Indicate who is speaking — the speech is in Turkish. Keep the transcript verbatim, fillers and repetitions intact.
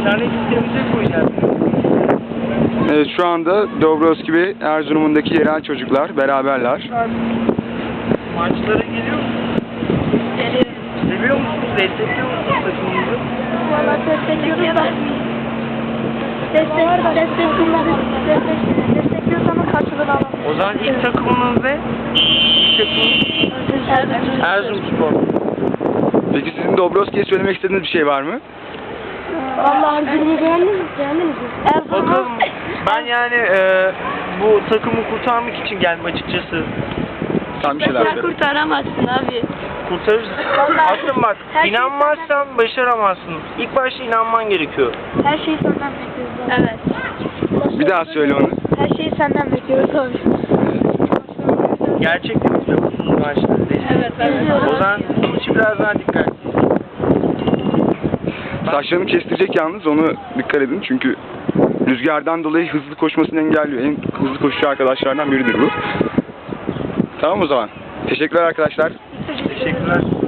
Speaker 1: İnternet sitemize koyacağız.
Speaker 2: Evet, şu anda Dobrovski ve Erzurum'undaki yerel çocuklar beraberler.
Speaker 1: Maçlara geliyor musunuz?
Speaker 3: Geliyorum.
Speaker 1: Seviyor musunuz? Destekliyor musunuz takımınızı?
Speaker 3: Valla destekliyoruz da. Destek, destekliyoruz. Destek, destekliyoruz ama karşılığını alamıyoruz.
Speaker 1: O zaman ilk takımınız ne? İlk takımınız Erzurumspor.
Speaker 2: Peki sizin Dobrovski'ye söylemek istediğiniz bir şey var mı?
Speaker 3: Valla Erzurum'u beğendiniz mi? Beğendiniz mi? Erzurum'u...
Speaker 1: Bakalım. Ben yani e, bu takımı kurtarmak için geldim açıkçası.
Speaker 2: Sen bir şeyler
Speaker 3: Sen
Speaker 2: söyle.
Speaker 3: kurtaramazsın abi.
Speaker 1: Kurtarırız. Aslında bak,
Speaker 3: Her şey
Speaker 1: inanmazsan başaramazsın. İlk başta inanman gerekiyor.
Speaker 3: Her şeyi senden bekliyoruz. Evet.
Speaker 2: Bir daha söyle onu.
Speaker 3: Her şeyi senden bekliyoruz abi.
Speaker 1: Gerçekten izliyor musunuz maçları?
Speaker 3: Evet, evet.
Speaker 1: O zaman bunun için biraz daha dikkat.
Speaker 2: Saçlarını kestirecek yalnız, onu dikkat edin çünkü rüzgardan dolayı hızlı koşmasını engelliyor. En hızlı koşucu arkadaşlardan biridir bu. Tamam o zaman. Teşekkürler arkadaşlar.
Speaker 1: Teşekkürler.